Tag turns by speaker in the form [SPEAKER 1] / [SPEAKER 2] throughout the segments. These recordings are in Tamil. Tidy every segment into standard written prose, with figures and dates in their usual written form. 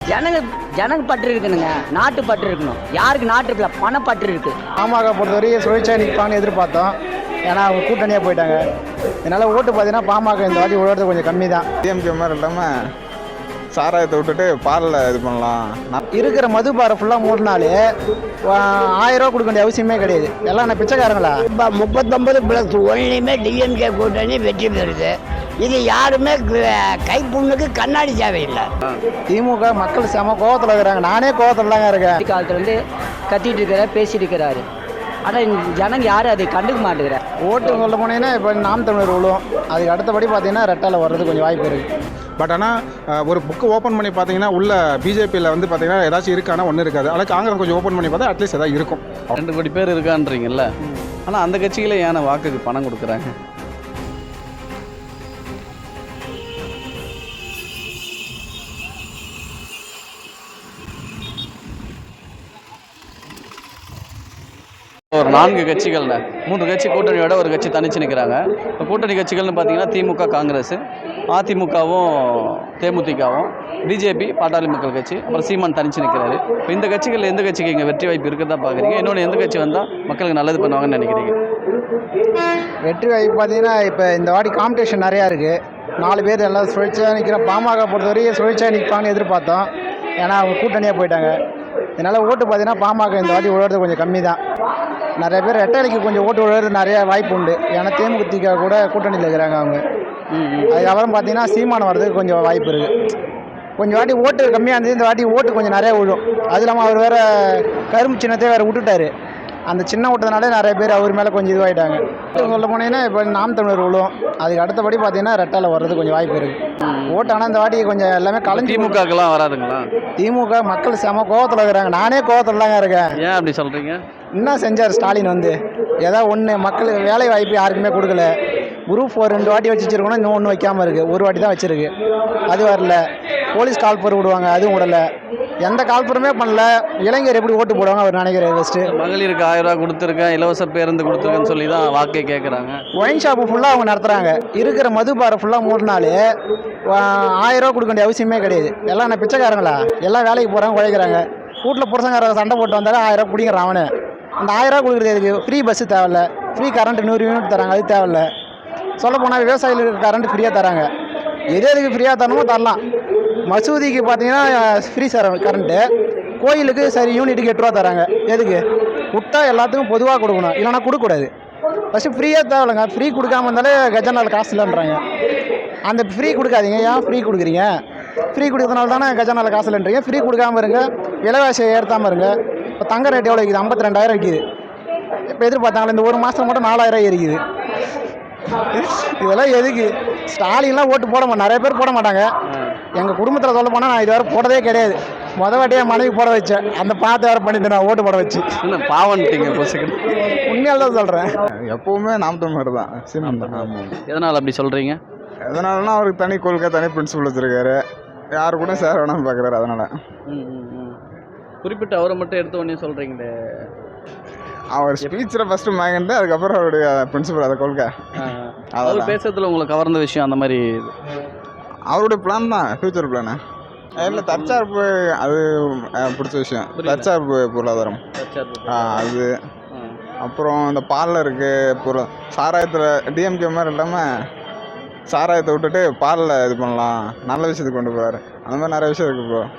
[SPEAKER 1] ஜனங்க பற்று இருக்கணுங்க, நாட்டு பற்று இருக்கணும். யாருக்கு நாட்டு இருக்கல, பணப்பற்று இருக்கு.
[SPEAKER 2] பாமக பொறுத்தவரைக்கும் சுழற்சியாக நிற்பான்னு எதிர்பார்த்தோம். ஏன்னா அவங்க கூட்டணியாக போயிட்டாங்க. இதனால் ஓட்டு பார்த்தீங்கன்னா பாமக இந்த வாட்டி விழுறது கொஞ்சம் கம்மி தான்.
[SPEAKER 3] டிஎம்கே மாதிரி இல்லாமல் சாராயத்தை விட்டுட்டு பாலில் இது பண்ணலாம்.
[SPEAKER 2] இருக்கிற மதுபாரை ஃபுல்லாக மூடினாலே 1000 ரூபா கொடுக்க வேண்டிய அவசியமே கிடையாது. எல்லாம் நான் பிச்சைக்காரங்களா?
[SPEAKER 4] இப்போ 39+1 ஒன்லையுமே டிஎம்கே கூட்டணி வெற்றி பெறுது. இது யாருமே கைப்புண்ணுக்கு கண்ணாடி தேவையில்லை.
[SPEAKER 2] திமுக மக்கள் செம கோவத்தில் இருக்கிறாங்க. நானே கோவத்தில் தாங்க இருக்கேன்.
[SPEAKER 1] காலத்துலேருந்து கத்திட்டு இருக்கிறார், பேசிட்டு இருக்கிறாரு. ஆனால் ஜனங்க யாரும் அதை கண்டுக்க மாட்டேங்கிறார்.
[SPEAKER 2] ஓட்டு சொல்ல போனீங்கன்னா இப்போ நாம் தமிழர் விழுவும். அதுக்கு அடுத்தபடி பார்த்தீங்கன்னா ரெட்டால வர்றது கொஞ்சம் வாய்ப்பு இருக்குது.
[SPEAKER 5] பட் ஆனால் ஒரு புக்கு ஓப்பன் பண்ணி பார்த்தீங்கன்னா உள்ள பிஜேபியில் வந்து பார்த்தீங்கன்னா ஏதாச்சும் இருக்கானா ஒன்றும் இருக்காது. ஆனால் காங்கிரஸ் கொஞ்சம் ஓப்பன் பண்ணி பார்த்தா அட்லீஸ்ட் ஏதாவது இருக்கும்.
[SPEAKER 6] 2 கோடி பேர் இருக்கான்றீங்கல்ல, ஆனால் அந்த கட்சிகளே ஏன் வாக்குக்கு பணம் கொடுக்குறாங்க? ஒரு 4 கட்சிகள்ல 3 கட்சி கூட்டணியோட ஒரு கட்சி தனிச்சு நிற்கிறாங்க. இப்போ கூட்டணி கட்சிகள்னு பார்த்தீங்கன்னா திமுக, காங்கிரஸ், அதிமுகவும் தேமுதிகவும், பிஜேபி, பாட்டாளி மக்கள் கட்சி, அப்புறம் சீமான் தனிச்சு நிற்கிறாரு. இப்போ இந்த கட்சிகள் எந்த கட்சிக்கு இங்கே வெற்றி வாய்ப்பு இருக்கிறதா பார்க்குறீங்க? இன்னொன்று எந்த கட்சி வந்தால் மக்களுக்கு நல்லது பண்ணுவாங்கன்னு நினைக்கிறீங்க?
[SPEAKER 2] வெற்றி வாய்ப்பு பார்த்தீங்கன்னா இப்போ இந்த வாட்டி காம்படிஷன் நிறையா இருக்குது. 4 பேர் எல்லாம் சுழற்சியாக நிற்கிறோம். பாமக பொறுத்தவரைக்கும் சுழற்சியாக நிற்பான்னு எதிர்பார்த்தோம். ஏன்னா அவங்க கூட்டணியாக போயிட்டாங்க. இதனால் ஓட்டு பார்த்தீங்கன்னா பாமக இந்த வாட்டி விழுறது கொஞ்சம் கம்மி தான். நிறைய பேர் ரெட்டலைக்கு கொஞ்சம் ஓட்டு விழுறது நிறைய வாய்ப்பு உண்டு. ஏன்னா தேமுதிக கூட கூட்டணியில் இருக்கிறாங்க அவங்க. அதுக்கப்புறம் பார்த்தீங்கன்னா சீமானம் வர்றதுக்கு கொஞ்சம் வாய்ப்பு இருக்குது. கொஞ்சம் வாட்டி ஓட்டு கம்மியாக இருந்தது, இந்த வாட்டி ஓட்டு கொஞ்சம் நிறையா விழும். அது இல்லாமல் அவர் வேறு கரும்பு சின்னத்தை வேறு விட்டுட்டாரு. அந்த சின்ன ஓட்டதுனாலே நிறைய பேர் அவர் மேலே கொஞ்சம் இதுவாகிட்டாங்க. சொல்ல போனீங்கன்னா இப்போ நாம் தமிழர் விழுவும். அதுக்கு அடுத்தபடி பார்த்தீங்கன்னா ரெட்டால வர்றது கொஞ்சம் வாய்ப்பு இருக்குது. ஓட்டு ஆனால் இந்த வாட்டி கொஞ்சம் எல்லாமே கலைஞ்சி.
[SPEAKER 6] திமுகலாம் வராதுங்களா?
[SPEAKER 2] திமுக மக்கள் செம கோவத்தில் இருக்கிறாங்க. நானே கோவத்தில் தாங்க இருக்கேன்.
[SPEAKER 6] ஏன் அப்படி சொல்கிறீங்க?
[SPEAKER 2] என்ன செஞ்சார் ஸ்டாலின் வந்து? ஏதாவது ஒன்று மக்களுக்கு வேலை வாய்ப்பு யாருக்குமே கொடுக்கல. குரூப் 4 2 வாட்டி வச்சுருக்கணும், இன்னும் ஒன்று வைக்காமல் இருக்குது. ஒரு வாட்டி தான் வச்சுருக்கு. அது வரல. போலீஸ் கால்பர் விடுவாங்க, அதுவும் விடலை. எந்த கால்பருமே பண்ணல. இளைஞர் எப்படி ஓட்டு போடுவாங்க அவர் நினைக்கிறேன். ஃபஸ்ட்டு
[SPEAKER 6] மகளிருக்கு 1000 ரூபா கொடுத்துருக்கேன், இலவச பேருந்து கொடுத்துருக்கேன்னு சொல்லி தான் வாக்கே கேட்குறாங்க.
[SPEAKER 2] ஒயின் ஷாப்பு ஃபுல்லாக அவங்க நடத்துகிறாங்க. இருக்கிற மதுபாரை ஃபுல்லாக மூடினாலே 1000 ரூபா கொடுக்க வேண்டிய அவசியமே கிடையாது. எல்லாம் நான் பிச்சைக்காரங்களா? எல்லாம் வேலைக்கு போகிறாங்க, உழைக்கிறாங்க. வீட்டில் புருஷங்கார சண்டை போட்டு வந்தாலும் 1000 ரூபா பிடிக்கிறான் அவனு. அந்த 1000 ரூபா கொடுக்குறது எதுக்கு? ஃப்ரீ பஸ்ஸு தேவையில்ல, ஃப்ரீ கரண்ட் 100 யூனிட் தராங்க, அது தேவையில்ல. சொல்ல போனால் விவசாயிகளுக்கு கரண்ட் ஃப்ரீயாக தராங்க. எதுக்கு ஃப்ரீயாக தரணுமோ தரலாம். மசூதிக்கு பார்த்தீங்கன்னா ஃப்ரீ கரண்ட்டு. கோயிலுக்கு சரி யூனிட்டுக்கு 8 ரூபா தராங்க. எதுக்கு? விட்டா எல்லாத்துக்கும் பொதுவாக கொடுக்கணும், இல்லைனா கொடுக்கக்கூடாது. ஃபஸ்ட்டு ஃப்ரீயாக தேவையில்லைங்க. ஃப்ரீ கொடுக்காம இருந்தாலே கஜானாவில் காசு இல்லைன்றாங்க. அந்த ஃப்ரீ கொடுக்காதீங்க. ஏன் ஃப்ரீ கொடுக்குறீங்க? ஃப்ரீ கொடுக்கறதுனால தானே கஜானாவில் காசு இல்லைன்றீங்க. ஃப்ரீ கொடுக்காமல் இருங்க, விலைவாசியை ஏற்றாமல் இருங்க. இப்போ தங்க ரேட் எவ்வளோ விற்கிது? 52,000 விற்கிது. இப்போ எதிர்பார்த்தாங்களே இந்த ஒரு மாதம் மட்டும் 4,000 ஏறிக்குது. இதெல்லாம் எதுக்கு? ஸ்டாலின்லாம் ஓட்டு போட மாட்டேன். நிறைய பேர் போட மாட்டாங்க. எங்கள் குடும்பத்தில் சொல்ல போனால் நான் இதுவரை போடவே கிடையாது. வாட்டியாக மனைவி போட வச்சேன். அந்த பார்த்து வேறு பண்ணிட்டு நான் ஓட்டு போட வச்சு
[SPEAKER 6] பாவன்ட்டீங்க.
[SPEAKER 2] உண்மையால் தான் சொல்கிறேன்.
[SPEAKER 3] எப்போவுமே நாம் தமிழர் தான், சீமான் தான். ஆமாம்.
[SPEAKER 6] எதனால் அப்படி சொல்கிறீங்க?
[SPEAKER 3] எதனாலனா அவருக்கு தனி கொள்கை, தனி பிரின்சிபல் வச்சுருக்காரு. யாரு கூட சேர வேணாம்னு பார்க்குறாரு. அதனால்
[SPEAKER 6] குறிப்பிட்ட அவரை மட்டும் எடுத்த உடனே சொல்கிறீங்களே.
[SPEAKER 3] அவர் ஸ்பீச்சில் ஃபஸ்ட்டு வாங்கிட்டு அதுக்கப்புறம் அவருடைய பிரின்சிபல், அதை கொள்கை.
[SPEAKER 6] அவர் பேசுறதுல உங்களுக்கு கவர்ந்த விஷயம் அந்த மாதிரி?
[SPEAKER 3] அவருடைய பிளான் தான், ஃப்யூச்சர் பிளானு. இல்லை தற்சார்பு, அது பிடிச்ச விஷயம். தற்சார்பு பொருளாதாரம் அது. அப்புறம் இந்த பாலில் இருக்குது பொருள். சாராயத்தில் டிஎம்கே மாதிரி இல்லாமல் சாராயத்தை விட்டுட்டு பாலில் இது பண்ணலாம், நல்ல விஷயத்துக்கு கொண்டு போகிறாரு. அந்த மாதிரி நிறைய விஷயம் இருக்குது ப்ரோ.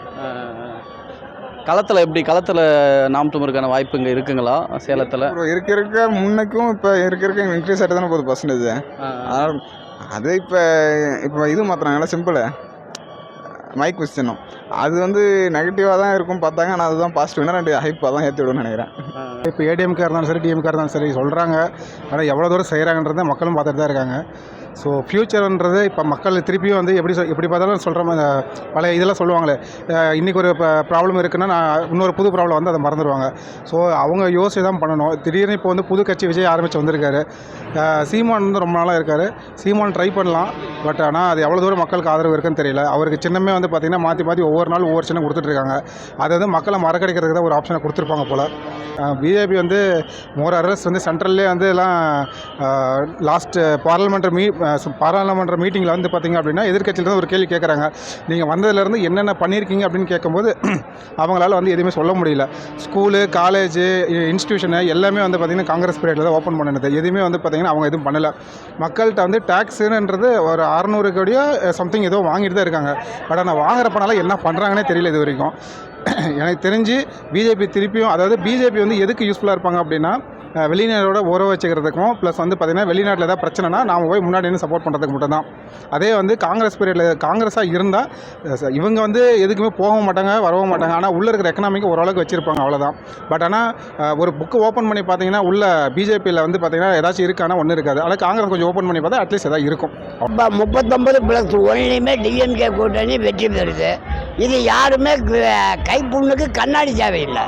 [SPEAKER 6] களத்தில் எப்படி? களத்தில் நாம் தமிழருக்கான வாய்ப்பு இங்கே இருக்குங்களா சேலத்தில்?
[SPEAKER 3] இருக்க முன்னைக்கும் இப்போ இருக்க இன்க்ரீஸ் ஆகிட்டு தானே போகுது பர்சன்டேஜ். அதனால் அது இப்போ இது மாற்றுறாங்களா, சிம்பிளு மைக் கொஸ்டினும் அது வந்து நெகட்டிவாக தான் இருக்கும் பார்த்தாங்க. ஆனால் அதுதான் பாசிட்டிவ்னா 2 ஹைப்பாக தான் ஏற்றி விடுன்னு நினைக்கிறேன்.
[SPEAKER 5] இப்போ ஏடிஎம்கே இருந்தாலும் சரி, டிஎம்கே இருந்தாலும் சரி சொல்கிறாங்க. ஆனால் எவ்வளோ தூரம் செய்கிறாங்கன்றதை மக்களும் பார்த்துட்டு தான் இருக்காங்க. ஸோ ஃப்யூச்சர்ன்றது இப்போ மக்கள் திருப்பியும் வந்து எப்படி பார்த்தாலும் சொல்கிற மாதிரி பழைய இதெல்லாம் சொல்லுவாங்களே, இன்றைக்கி ஒரு ப்ராப்ளம் இருக்குன்னா நான் இன்னொரு புது ப்ராப்ளம் வந்து அதை மறந்துடுவாங்க. ஸோ அவங்க யோசிச்சு தான் பண்ணணும். திடீர்னு இப்போ வந்து புது கட்சி விஜய் ஆரம்பித்து வந்திருக்காரு. சீமான் வந்து ரொம்ப நாளாக இருக்கார். சீமான் ட்ரை பண்ணலாம். பட் ஆனால் அது எவ்வளோ தூரம் மக்களுக்கு ஆதரவு இருக்குன்னு தெரியல. அவருக்கு சின்னமே வந்து பார்த்திங்கன்னா மாற்றி ஒவ்வொரு நாள் ஒவ்வொரு சின்னம் கொடுத்துட்ருக்காங்க. அதை வந்து மக்களை மறக்கடிக்கிறதுக்கு தான் ஒரு ஆப்ஷனை கொடுத்துருப்பாங்க போல். பிஜேபி வந்து மோர் அரஸ் வந்து சென்ட்ரல்லே வந்து எல்லாம் லாஸ்ட் பார்லிமெண்ட்ரி பாராளுமன்ற மீட்டிங்கில் வந்து பார்த்திங்க அப்படின்னா எதிர்க்கட்சியிலேருந்து ஒரு கேள்வி கேட்குறாங்க. நீங்கள் வந்ததுலேருந்து என்னென்ன பண்ணியிருக்கீங்க அப்படின்னு கேட்கும்போது அவங்களால வந்து எதுவுமே சொல்ல முடியல. ஸ்கூலு, காலேஜு, இன்ஸ்டியூஷனு எல்லாமே வந்து பார்த்திங்கன்னா காங்கிரஸ் பீரியடில் தான் ஓப்பன் பண்ணினது. எதுவுமே வந்து பார்த்திங்கன்னா அவங்க எதுவும் பண்ணலை. மக்கள்கிட்ட வந்து டேக்ஸுன்றது ஒரு 600 கோடியோ சம்திங் ஏதோ வாங்கிட்டு தான் இருக்காங்க. பட் ஆனால் வாங்குற பணம்லாம் என்ன பண்ணுறாங்கன்னே தெரியல இது வரைக்கும். எனக்கு தெரிஞ்சு பிஜேபி திருப்பியும், அதாவது பிஜேபி வந்து எதுக்கு யூஸ்ஃபுல்லாக இருப்பாங்க அப்படின்னா வெளிநாட்டோட உறவு வச்சுக்கிறதுக்கும், ப்ளஸ் வந்து பார்த்திங்கன்னா வெளிநாட்டில் ஏதாவது பிரச்சனைனா நாம் போய் முன்னாடி நின்று சப்போர்ட் பண்ணுறதுக்கு மட்டும்தான். அதே வந்து காங்கிரஸ் பீரியடில் காங்கிரஸாக இருந்தால் இவங்க வந்து எதுக்குமே போகவும் மாட்டாங்க, வரவும் மாட்டாங்க. ஆனால் உள்ளே இருக்கிற எக்கனாமிக்கு ஓரளவுக்கு வச்சுருப்பாங்க, அவ்வளோதான். பட் ஆனால் ஒரு புக்கு ஓப்பன் பண்ணி பார்த்தீங்கன்னா உள்ள பிஜேபியில் வந்து பார்த்திங்கன்னா ஏதாச்சும் இருக்கானா ஒன்றும் இருக்காது. ஆனால் காங்கிரஸ் கொஞ்சம் ஓப்பன் பண்ணி பார்த்தா அட்லீஸ்ட் ஏதாவது இருக்கும்.
[SPEAKER 4] 39+1 டிஎம்கே கூட்டணி வெற்றி பெறுது. இது யாருமே கைப்புண்ணுக்கு கண்ணாடி தேவையில்லை.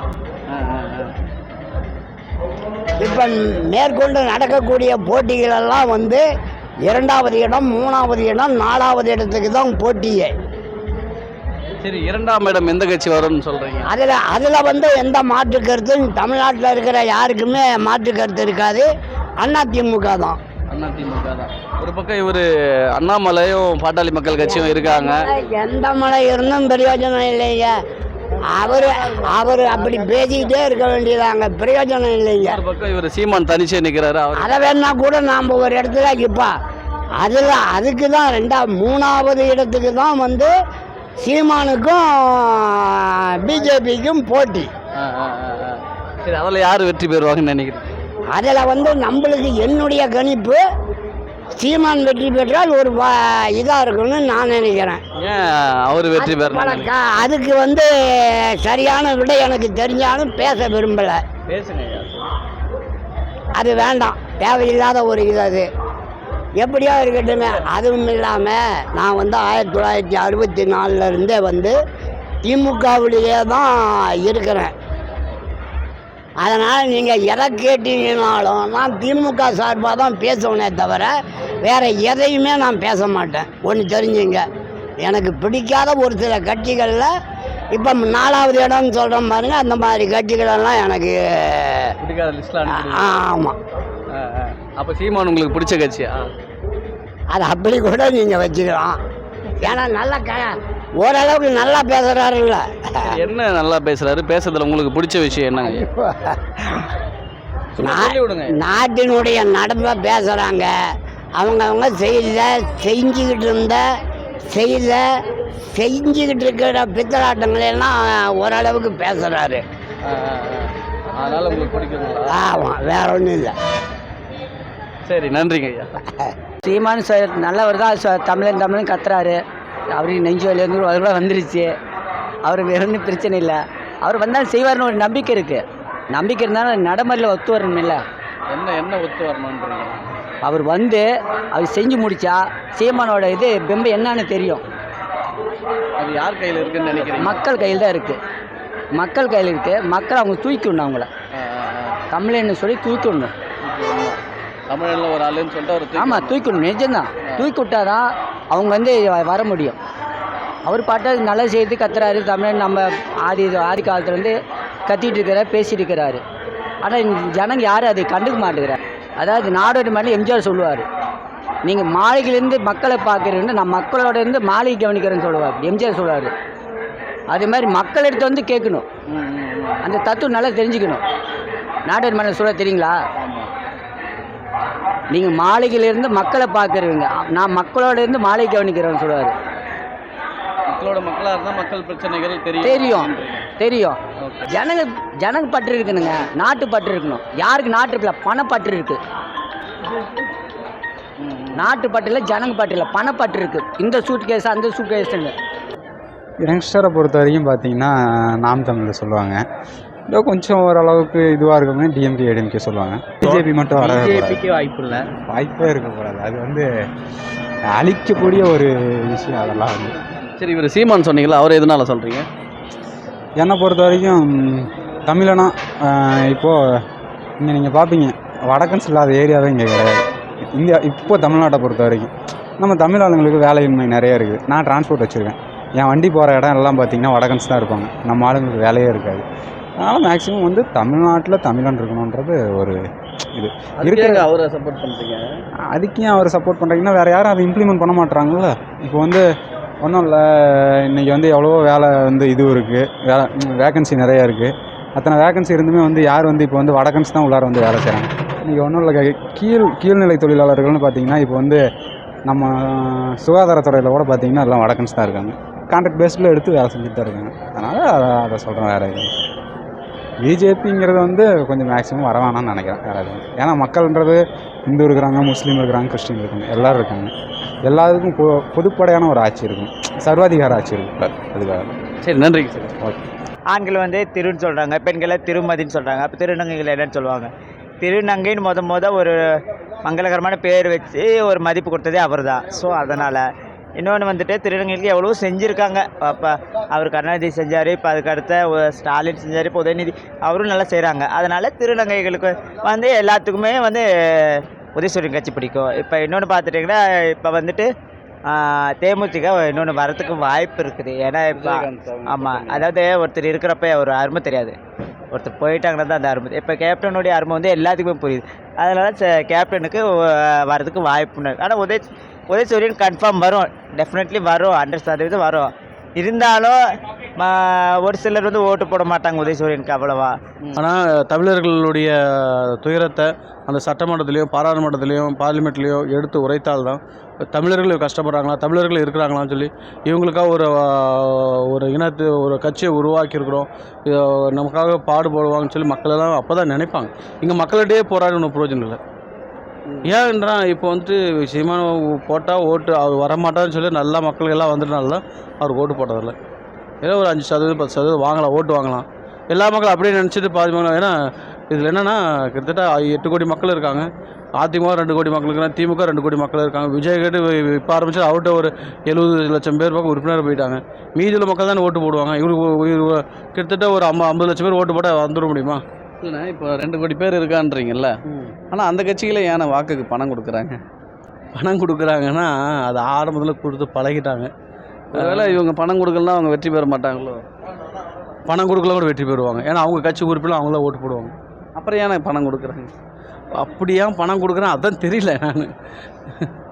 [SPEAKER 4] இப்போ மேற்கொண்டு நடக்கக்கூடிய போட்டிகளெல்லாம் வந்து 2வது இடம், 3வது இடம், 4வது இடத்துக்கு தான் போட்டியே.
[SPEAKER 6] சரி, 2ஆம் இடம் எந்த கட்சி வரும்னு சொல்கிறீங்க?
[SPEAKER 4] அதில் வந்து எந்த மாற்று கருத்தும் தமிழ்நாட்டில் இருக்கிற யாருக்குமே மாற்று கருத்து இருக்காது. அதிமுக தான்.
[SPEAKER 6] அதிமுக தான். ஒரு பக்கம் இவர் அண்ணாமலையும் பாட்டாளி மக்கள் கட்சியும் இருக்காங்க.
[SPEAKER 4] எந்த மலை இருந்தும் பிரயோஜனம் இல்லைங்க. அவர் அப்படி பேசிக்கிட்டே இருக்க வேண்டியதாங்க, பிரயோஜனம் இல்லைங்க.
[SPEAKER 6] ஒரு பக்கம் இவர் சீமான் தனிச்சே நிற்கிறாரு.
[SPEAKER 4] அதை வேணா கூட நாம் ஒரு இடத்துல இப்போ அதுக்கு தான் 3வது இடத்துக்கு தான் வந்து சீமானுக்கும் பிஜேபிக்கும் போட்டி.
[SPEAKER 6] சரி, அதில் யார் வெற்றி பெறுவாங்கன்னு நினைக்கிறேன்?
[SPEAKER 4] அதில் வந்து நம்மளுக்கு என்னுடைய கணிப்பு சீமான் வெற்றி பெற்றால் ஒரு இதாக இருக்குன்னு நான் நினைக்கிறேன்.
[SPEAKER 6] ஏன் அவர் வெற்றி பெறணும்?
[SPEAKER 4] அதுக்கு வந்து சரியான விடை எனக்கு தெரிஞ்சாலும் பேச விரும்பலை.
[SPEAKER 6] பேசுங்க.
[SPEAKER 4] அது வேண்டாம், தேவையில்லாத ஒரு இது. அது எப்படியோ இருக்கட்டுமே. அதுவும் இல்லாமல் நான் வந்து 1964 வந்து திமுகவிலேயே தான் இருக்கிறேன். அதனால் நீங்கள் எதை கேட்டீங்கன்னாலும் நான் திமுக சார்பாக தான் பேசுவேனே தவிர வேறு எதையுமே நான் பேச மாட்டேன். ஒன்று தெரிஞ்சுங்க, எனக்கு பிடிக்காத ஒரு சில கட்சிகளில் இப்போ 4வது இடம்னு சொல்கிறோம் பாருங்கள், அந்த மாதிரி கட்சிகளெல்லாம் எனக்கு
[SPEAKER 6] பிடிக்காத லிஸ்ட்டில்.
[SPEAKER 4] ஆமாம்.
[SPEAKER 6] அப்போ சீமான் உங்களுக்கு பிடிச்ச கட்சியா?
[SPEAKER 4] அது அப்படி கூட நீங்கள் வச்சுக்கலாம். ஏன்னா நல்லா ஓரளவுக்கு நல்லா பேசுகிறாருல்ல.
[SPEAKER 6] என்ன நல்லா பேசுகிறாரு? பேசுறதுல உங்களுக்கு பிடிச்ச விஷயம் என்னங்க?
[SPEAKER 4] நாட்டினுடைய நடப்பை பேசுகிறாங்க. அவங்க செஞ்சுக்கிட்டு இருக்கிற பித்தலாட்டங்களெல்லாம் ஓரளவுக்கு பேசுகிறாரு.
[SPEAKER 6] அதனால் உங்களுக்கு பிடிக்குங்களா?
[SPEAKER 4] ஆமாம், வேற ஒன்றும் இல்லை.
[SPEAKER 6] சரி, நன்றிங்க ஐயா.
[SPEAKER 1] சீமான் நல்லவர் தான். தமிழன் கத்துறாரு. அவருக்கு நெஞ்சு வலியிலேருந்து கூட வந்துருச்சு. அவருக்கு வேற ஒன்றும் பிரச்சனை இல்லை. அவர் வந்தாலும் செய்வார்னு ஒரு நம்பிக்கை இருக்குது. நம்பிக்கை இருந்தாலும் நடைமுறையில் ஒத்து வரணும் இல்லை.
[SPEAKER 6] என்ன ஒத்து வரணுன்றீங்க?
[SPEAKER 1] அவர் வந்து அவர் செஞ்சு முடித்தா சீமானோட இது பெம்பை என்னன்னு தெரியும்.
[SPEAKER 6] அது யார் கையில் இருக்குன்னு நினைக்கிறீங்க?
[SPEAKER 1] மக்கள் கையில் தான் இருக்குது. மக்கள் கையில் இருக்குது. மக்கள் அவங்க தூக்கிடணும். அவங்கள தமிழன்னு சொல்லி தூக்கிடணும்.
[SPEAKER 6] தமிழில் ஒரு ஆளுன்னு சொல்லிட்டு அவர்
[SPEAKER 1] ஆமாம் தூக்கிடணும். நிஜம்தான். தூக்கி விட்டாதான் அவங்க வந்து வர முடியும். அவர் பாட்டை நல்லா செய்து கத்துறாரு. தமிழன் நம்ம ஆதி காலத்துலேருந்து கத்திட்டு இருக்கிறார், பேசிட்டு இருக்கிறாரு. ஆனால் ஜனங்க யாரும் அதை கண்டுக்க மாட்டேங்கிறார். அதாவது நாடோடி மாதிரி எம்ஜிஆர் சொல்லுவார், நீங்கள் மாளிகையிலேருந்து மக்களை பார்க்குறீங்கன்னு நான் மக்களோட இருந்து மாளிகை கவனிக்கிறேன்னு சொல்லுவார் எம்ஜிஆர் சொல்லுவார். அதே மாதிரி மக்கள் எடுத்து வந்து கேட்கணும். அந்த தத்துவம் நல்லா தெரிஞ்சுக்கணும். நாடோடி மாதிரி சொல்ல தெரியுங்களா? நீங்கள் மாளிகையிலேருந்து மக்களை பார்க்குறீங்க, நான் மக்களோட இருந்து மாளிகை கவனிக்கிறேன்னு சொல்லுவார்.
[SPEAKER 6] மக்களாக இருந்தால் மக்கள் பிரச்சனைகள்
[SPEAKER 1] தெரியும். ஜனங்க பற்று இருக்குனுங்க. நாட்டு பற்று இருக்கணும். யாருக்கு நாட்டு இருக்குல்ல, பணப்பற்று இருக்கு. நாட்டு பற்று இல்லை, ஜனங்க பற்று இல்லை, பணப்பற்று இருக்கு. இந்த சூட் கேஸ் அந்த சூட் கேஸ்ன்னு
[SPEAKER 7] யங்ஸ்டரை பொறுத்த வரைக்கும் பார்த்தீங்கன்னா நாம் தமிழில் சொல்லுவாங்க. இதோ கொஞ்சம் ஓரளவுக்கு இதுவாக இருக்குமே டிஎம்கே ஏடிஎம்கே சொல்லுவாங்க. பிஜேபி மட்டும் வர வாய்ப்பே இருக்கக்கூடாது. அது வந்து அழிக்கக்கூடிய ஒரு விஷயம். அதெல்லாம் வந்து
[SPEAKER 6] சரி, இவர் சீமான் சொன்னீங்களா, அவர் எதனால சொல்கிறீங்க?
[SPEAKER 7] என்னை பொறுத்த வரைக்கும் தமிழனா இப்போது இங்கே நீங்கள் பார்ப்பீங்க, வடக்கன்ஸ் இல்லாத ஏரியாவே இங்கே கிடையாது. இந்தியா இப்போ தமிழ்நாட்டை பொறுத்த வரைக்கும் நம்ம தமிழ் ஆளுங்களுக்கு வேலையின்மை நிறைய இருக்குது. நான் டிரான்ஸ்போர்ட் வச்சுருக்கேன். என் வண்டி போகிற இடம் எல்லாம் பார்த்திங்கன்னா வடக்கன்ஸ் தான் இருப்பாங்க. நம்ம ஆளுங்களுக்கு வேலையே இருக்காது. அதனால் மேக்ஸிமம் வந்து தமிழ்நாட்டில் தமிழன் இருக்கணுன்றது ஒரு இது
[SPEAKER 6] இருக்கிற அவரை சப்போர்ட் பண்ணுறீங்க.
[SPEAKER 7] அதுக்கே அவர் சப்போர்ட் பண்ணுறீங்கன்னா வேறு யாரும் அதை இம்ப்ளிமெண்ட் பண்ண மாட்றாங்கல்ல. இப்போ வந்து ஒன்றும் இல்லை, இன்றைக்கி வந்து எவ்வளவோ வேலை வந்து இது இருக்குது, வேக்கன்சி நிறையா இருக்குது. அத்தனை வேக்கன்சி இருந்துமே வந்து யார் வந்து இப்போ வந்து வடக்கன்ஸ் தான் உள்ளார வந்து வேலை செய்கிறாங்க. இன்றைக்கி ஒன்றும் இல்லை, கீழ்நிலை தொழிலாளர்கள்னு பார்த்தீங்கன்னா இப்போ வந்து நம்ம சுகாதாரத்துறையில் கூட பார்த்தீங்கன்னா எல்லாம் வடக்கன்ஸ் தான் இருக்காங்க. கான்ட்ராக்ட் பேஸில் எடுத்து வேலை செஞ்சுட்டு தான் இருக்காங்க. அதனால் அதை சொல்கிறேன், வேறு எதுவும். பிஜேபிங்கிறது வந்து கொஞ்சம் மேக்ஸிமம் வர வேணாம்னு நினைக்கிறேன், வேறு எதுவும். ஏன்னா மக்கள்ன்றது இந்து இருக்கிறாங்க, முஸ்லீம் இருக்கிறாங்க, கிறிஸ்டின் இருக்காங்க, எல்லோரும் இருக்காங்க. எல்லாத்துக்கும் பொதுப்படையான ஒரு ஆட்சி இருக்கும், சர்வாதிகார ஆட்சி இருக்கும். அதுக்காக.
[SPEAKER 6] சரி, நன்றிங்க சார்.
[SPEAKER 7] ஓகே.
[SPEAKER 8] ஆண்கள் வந்து திருன்னு சொல்கிறாங்க, பெண்களை திருமதின்னு சொல்கிறாங்க. அப்போ திருநங்கைகள் என்னன்னு சொல்லுவாங்க? திருநங்கைன்னு ஒரு மங்களகரமான பேர் வச்சு ஒரு மதிப்பு கொடுத்ததே அவர் தான். ஸோ அதனால் இன்னொன்று வந்துட்டு திருநங்கைகளுக்கு எவ்வளோ செஞ்சுருக்காங்க. அப்போ அவர் கருணாநிதி செஞ்சார், இப்போ அதுக்கு அடுத்த ஸ்டாலின் செஞ்சார், இப்போ உதயநிதி அவரும் நல்லா செய்கிறாங்க. அதனால் திருநங்கைகளுக்கு வந்து எல்லாத்துக்குமே வந்து உதயசூரியன் கட்சி பிடிக்கும். இப்போ இன்னொன்று பார்த்துட்டிங்கன்னா இப்போ வந்துட்டு தேமுதிக இன்னொன்று வரத்துக்கு வாய்ப்பு இருக்குது. ஏன்னா இப்போ ஆமாம், அதாவது ஒருத்தர் இருக்கிறப்ப ஒரு அருமை தெரியாது, ஒருத்தர் போயிட்டாங்கன்னா தான் அந்த அருமை. இப்போ கேப்டனுடைய அருமை வந்து எல்லாத்துக்குமே புரியுது. அதனால் கேப்டனுக்கு வரதுக்கு வாய்ப்பு. ஆனால் உதயசூரியன் கன்ஃபார்ம் வரும், டெஃபினெட்லி வரும், 100% வரும். இருந்தாலும் ஒரு சிலர் வந்து ஓட்டு போட மாட்டாங்க உதயசூரியனுக்கு அவ்வளவா.
[SPEAKER 9] ஆனால் தமிழர்களுடைய துயரத்தை அந்த சட்டமன்றத்துலேயும் பாராளுமன்றத்துலேயும் பார்லிமெண்ட்லேயும் எடுத்து உரைத்தால்தான் தமிழர்கள் கஷ்டப்படுறாங்களா, தமிழர்கள் இருக்கிறாங்களான்னு சொல்லி இவங்களுக்காக ஒரு இனத்து ஒரு கட்சியை உருவாக்கியிருக்கிறோம், நமக்காக பாடுபடுவாங்கன்னு சொல்லி மக்களெல்லாம் அப்போ தான் நினைப்பாங்க. இங்கே மக்களிடையே போராடி ஒன்றும் பிரயோஜனம் இல்லை. ஏன்ன்றா இப்போ வந்துட்டு சீமான போட்டால் ஓட்டு அவர் வரமாட்டான்னு சொல்லி நல்லா மக்கள் எல்லாம் வந்துட்டனால தான் அவருக்கு ஓட்டு போட்டதில்லை. ஏதோ ஒரு 5% 10% வாங்கலாம், ஓட்டு வாங்கலாம். எல்லா மக்களும் அப்படியே நினச்சிட்டு பாதி மக்கள். ஏன்னா இதில் என்னென்னா கிட்டத்தட்ட 8 கோடி மக்கள் இருக்காங்க. அதிமுக 2 கோடி மக்கள் இருக்காங்க, திமுக 2 கோடி மக்கள் இருக்காங்க. விஜய் கேட்டு இப்போ ஆரம்பிச்சு அவர்கிட்ட ஒரு 70 லட்சம் பேர் பக்கம் உறுப்பினர் போயிட்டாங்க. மீதியில் மக்கள் தானே ஓட்டு போடுவாங்க. இவருக்கு கிட்டத்தட்ட ஒரு 50 லட்சம் பேர் ஓட்டு போட்டால் வந்துட முடியுமா?
[SPEAKER 6] இல்லைண்ணா, இப்போ 2 கோடி பேர் இருக்கான்றீங்கல்ல, ஆனால் அந்த கட்சிகளே ஏன்னா வாக்குக்கு பணம் கொடுக்குறாங்க?
[SPEAKER 9] பணம் கொடுக்குறாங்கன்னா அது ஆரம்பத்தில் கொடுத்து பழகிட்டாங்க.
[SPEAKER 6] ஒருவேளை இவங்க பணம் கொடுக்கலாம் அவங்க வெற்றி பெற மாட்டாங்களோ?
[SPEAKER 9] பணம் கொடுக்கலாம் கூட வெற்றி பெறுவாங்க. ஏன்னா அவங்க கட்சி உறுப்பினர் அவங்கள ஓட்டு போடுவாங்க.
[SPEAKER 6] அப்புறம் ஏன்னா பணம் கொடுக்குறாங்க?
[SPEAKER 9] அப்படியா பணம் கொடுக்குறேன் அதான் தெரியல நான்.